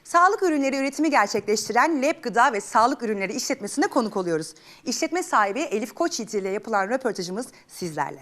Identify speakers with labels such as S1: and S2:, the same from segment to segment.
S1: Sağlık ürünleri üretimi gerçekleştiren Lab Gıda ve Sağlık Ürünleri işletmesine konuk oluyoruz. İşletme sahibi Elif Koçyiğit ile yapılan röportajımız sizlerle.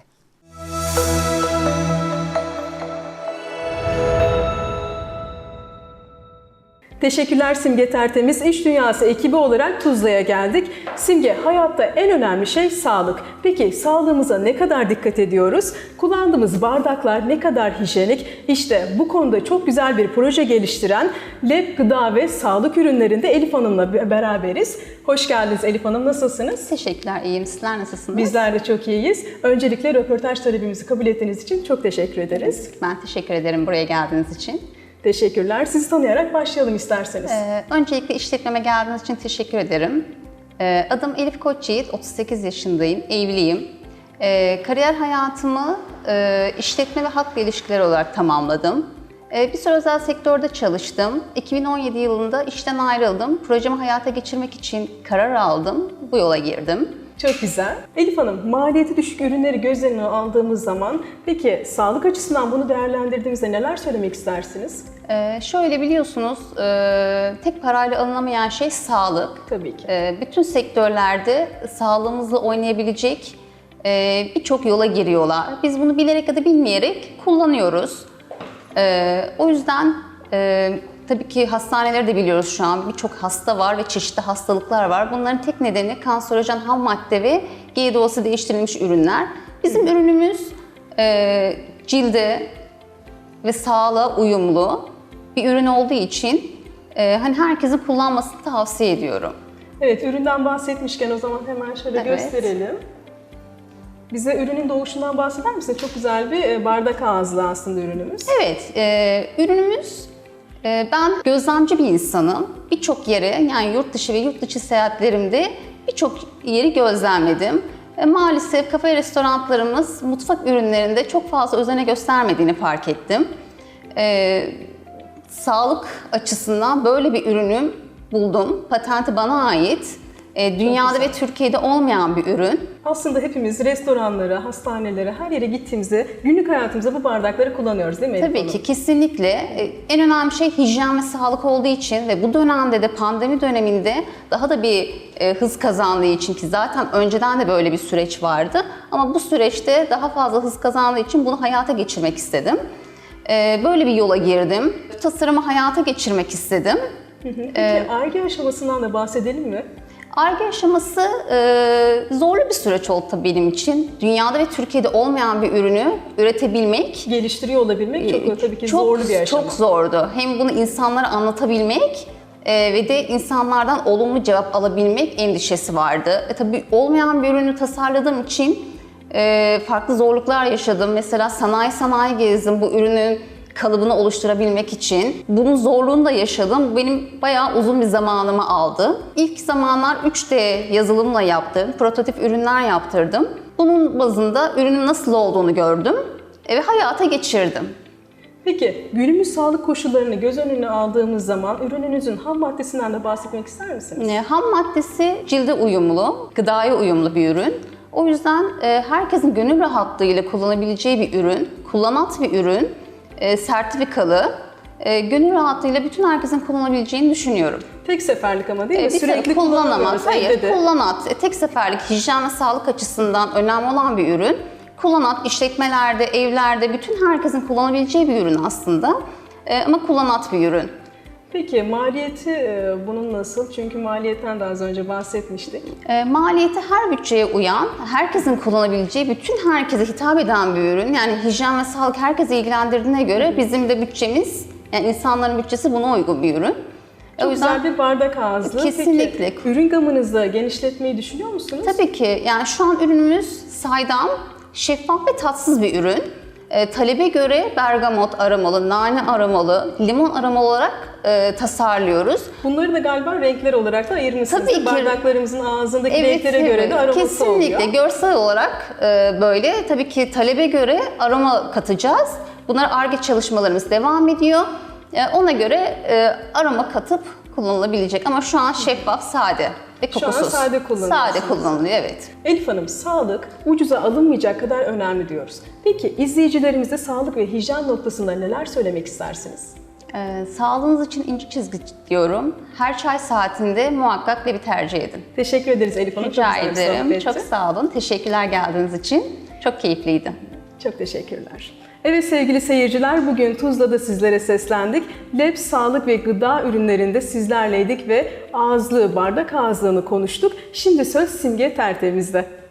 S2: Teşekkürler Simge Tertemiz. İş Dünyası ekibi olarak Tuzla'ya geldik. Simge, hayatta en önemli şey sağlık. Peki sağlığımıza ne kadar dikkat ediyoruz? Kullandığımız bardaklar ne kadar hijyenik? İşte bu konuda çok güzel bir proje geliştiren Lab Gıda ve Sağlık Ürünlerinde Elif Hanım'la beraberiz. Hoş geldiniz Elif Hanım, nasılsınız?
S3: Teşekkürler, iyiyim. Sizler nasılsınız?
S2: Bizler de çok iyiyiz. Öncelikle röportaj talebimizi kabul ettiğiniz için çok teşekkür ederiz.
S3: Ben teşekkür ederim buraya geldiğiniz için.
S2: Teşekkürler. Sizi tanıyarak başlayalım isterseniz.
S3: Öncelikle işletmeme geldiğiniz için teşekkür ederim. Adım Elif Koçyiğit, 38 yaşındayım, evliyim. Kariyer hayatımı işletme ve halkla ilişkiler olarak tamamladım. Bir süre özel sektörde çalıştım. 2017 yılında işten ayrıldım. Projemi hayata geçirmek için karar aldım. Bu yola girdim.
S2: Çok güzel. Elif Hanım, maliyeti düşük ürünleri göz önüne aldığımız zaman peki sağlık açısından bunu değerlendirdiğimizde neler söylemek istersiniz?
S3: Şöyle biliyorsunuz, tek parayla alınamayan şey sağlık.
S2: Tabii ki.
S3: Bütün sektörlerde sağlığımızla oynayabilecek birçok yola giriyorlar. Biz bunu bilerek ya da bilmeyerek kullanıyoruz. O yüzden tabii ki hastaneleri de biliyoruz şu an. Birçok hasta var ve çeşitli hastalıklar var. Bunların tek nedeni kanserojen ham madde ve GDO'su değiştirilmiş ürünler. Bizim ürünümüz cilde ve sağlığa uyumlu bir ürün olduğu için hani herkesin kullanmasını tavsiye ediyorum.
S2: Evet, üründen bahsetmişken o zaman hemen şöyle gösterelim. Bize ürünün doğuşundan bahseder misiniz? Çok güzel bir bardak ağızlı aslında ürünümüz.
S3: Evet, ürünümüz, ben gözlemci bir insanım. Birçok yere, yani yurt dışı ve yurt içi seyahatlerimde birçok yeri gözlemledim. Maalesef kafe restoranlarımız mutfak ürünlerinde çok fazla özene göstermediğini fark ettim. Sağlık açısından böyle bir ürünü buldum. Patenti bana ait. Dünyada ve Türkiye'de olmayan bir ürün.
S2: Aslında hepimiz restoranlara, hastanelere, her yere gittiğimizde günlük hayatımızda bu bardakları kullanıyoruz değil mi Elif
S3: Tabii
S2: Hanım?
S3: ki, kesinlikle. En önemli şey hijyen ve sağlık olduğu için ve bu dönemde de pandemi döneminde daha da bir hız kazandığı için, ki zaten önceden de böyle bir süreç vardı. Ama bu süreçte daha fazla hız kazandığı için bunu hayata geçirmek istedim. Böyle bir yola girdim. Bu tasarımı hayata geçirmek istedim.
S2: Peki Ar-Ge aşamasından da bahsedelim mi?
S3: Ar-Ge aşaması zorlu bir süreç oldu tabii benim için. Dünyada ve Türkiye'de olmayan bir ürünü üretebilmek,
S2: Geliştiriyor olabilmek çok tabii ki zorlu bir aşama.
S3: Çok zordu. Hem bunu insanlara anlatabilmek ve de insanlardan olumlu cevap alabilmek endişesi vardı. Tabii olmayan bir ürünü tasarladığım için farklı zorluklar yaşadım. Mesela sanayi gezdim bu ürünün kalıbını oluşturabilmek için. Bunun zorluğunu da yaşadım. Benim bayağı uzun bir zamanımı aldı. İlk zamanlar 3D yazılımla yaptım. Prototip ürünler yaptırdım. Bunun bazında ürünün nasıl olduğunu gördüm ve hayata geçirdim.
S2: Peki günümüz sağlık koşullarını göz önüne aldığımız zaman ürününüzün ham maddesinden de bahsetmek ister misiniz?
S3: Ham maddesi cilde uyumlu, gıdaya uyumlu bir ürün. O yüzden herkesin gönül rahatlığıyla kullanabileceği bir ürün, kullanat bir ürün. Sertifikalı, gönül rahatlığıyla bütün herkesin kullanabileceğini düşünüyorum.
S2: Tek seferlik ama değil mi?
S3: Sürekli kullanamaz. Hayır, kullanat. Tek seferlik hijyen ve sağlık açısından önemli olan bir ürün. Kullanat işletmelerde, evlerde bütün herkesin kullanabileceği bir ürün aslında. Ama kullanat bir ürün.
S2: Peki maliyeti bunun nasıl? Çünkü maliyetten de az önce bahsetmiştik.
S3: Maliyeti her bütçeye uyan, herkesin kullanabileceği, bütün herkese hitap eden bir ürün. Yani hijyen ve sağlık herkese ilgilendirdiğine göre bizim de bütçemiz, yani insanların bütçesi buna uygun bir ürün.
S2: Çok güzel bir bardak ağızlı.
S3: Kesinlikle.
S2: Peki ürün gamınızı genişletmeyi düşünüyor musunuz?
S3: Tabii ki. Yani şu an ürünümüz saydam, şeffaf ve tatsız bir ürün. Talebe göre bergamot aromalı, nane aromalı, limon aromalı olarak tasarlıyoruz.
S2: Bunları da galiba renkler olarak da ayırmışsınız.
S3: Tabii ki.
S2: Bardaklarımızın ağzındaki renklere göre de aroması
S3: kesinlikle.
S2: oluyor.
S3: Kesinlikle. Görsel olarak böyle. Tabii ki talebe göre aroma katacağız. Bunlar Ar-Ge çalışmalarımız devam ediyor. Ona göre aroma katıp kullanılabilecek. Ama şu an şeffaf, sade ve kokusuz.
S2: Şu an sade kullanıyorsunuz.
S3: Sade kullanılıyor, evet.
S2: Elif Hanım, sağlık ucuza alınmayacak kadar önemli diyoruz. Peki izleyicilerimize sağlık ve hijyen noktasında neler söylemek istersiniz?
S3: Sağlığınız için ince çizgi diyorum. Her çay saatinde muhakkak Leb'i tercih edin.
S2: Teşekkür ederiz Elif Hanım.
S3: Rica
S2: Çok güzel bir
S3: ederim.
S2: sohbetti.
S3: Çok sağ olun. Teşekkürler geldiğiniz için. Çok keyifliydi.
S2: Çok teşekkürler. Evet sevgili seyirciler, bugün Tuzla'da sizlere seslendik. Leb sağlık ve gıda ürünlerinde sizlerleydik ve ağızlığı, bardak ağızlığını konuştuk. Şimdi söz Simge Tertemiz'de.